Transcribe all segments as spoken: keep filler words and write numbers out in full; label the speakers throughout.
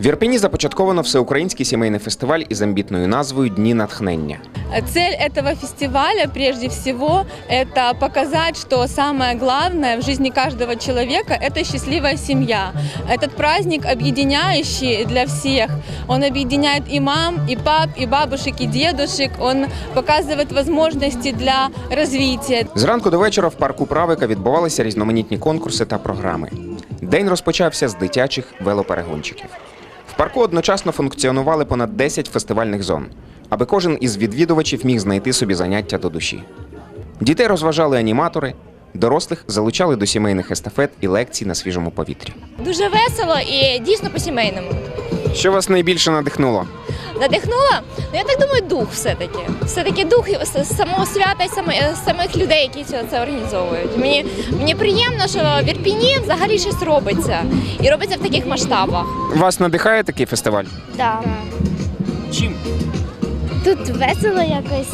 Speaker 1: Ірпені започатковано всеукраїнський сімейний фестиваль із амбітною назвою «Дні натхнення».
Speaker 2: Цель этого фестиваля, прежде всего, это показать, что самое главное в жизни каждого человека – это счастливая семья. Этот праздник объединяющий для всех. Он объединяет и мам, и пап, и бабушек, и дедушек. Он показывает возможности для развития.
Speaker 1: Зранку до вечора в парку Правика відбувалися різноманітні конкурси та програми. День розпочався з дитячих велоперегончиків. В парку одночасно функціонували понад десять фестивальних зон, аби кожен із відвідувачів міг знайти собі заняття до душі. Дітей розважали аніматори, дорослих залучали до сімейних естафет і лекцій на свіжому повітрі.
Speaker 3: Дуже весело і дійсно по-сімейному.
Speaker 1: Що вас найбільше надихнуло?
Speaker 3: Надихнула? Ну, я так думаю, дух все-таки. Все-таки дух самого свята і самих людей, які це організовують. Мені, мені приємно, що в Ірпені взагалі щось робиться. І робиться в таких масштабах.
Speaker 1: Вас надихає такий фестиваль?
Speaker 4: Так.
Speaker 1: Чим?
Speaker 4: Тут весело якось.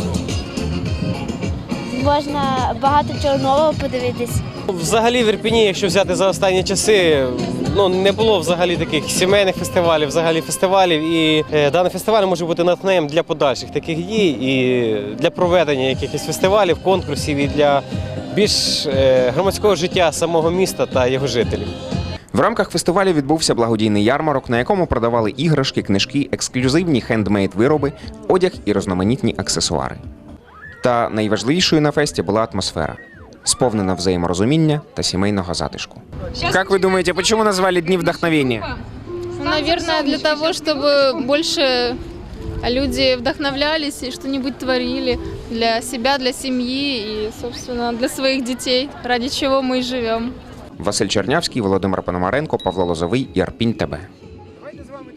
Speaker 4: Можна багато чого нового подивитись.
Speaker 5: Взагалі в Ірпені, якщо взяти за останні часи, ну, не було взагалі таких сімейних фестивалів, взагалі фестивалів. І е, даний фестиваль може бути натхненням для подальших таких дій і для проведення якихось фестивалів, конкурсів і для більш е, громадського життя самого міста та його жителів.
Speaker 1: В рамках фестивалю відбувся благодійний ярмарок, на якому продавали іграшки, книжки, ексклюзивні хендмейд-вироби, одяг і різноманітні аксесуари. Та найважливішою на фесті була атмосфера, сповнена взаєморозуміння та сімейного затишку. Як ви думаєте, чому назвали Дні вдохновення?
Speaker 6: Наверное, для того, чтобы больше люди вдохновлялись и что-нибудь творили для себя, для семьи и, собственно, для своих детей, ради чего мы и живем.
Speaker 1: Василь Чернявський, Володимир Пономаренко, Павло Лозовий, Ірпінь ТБ.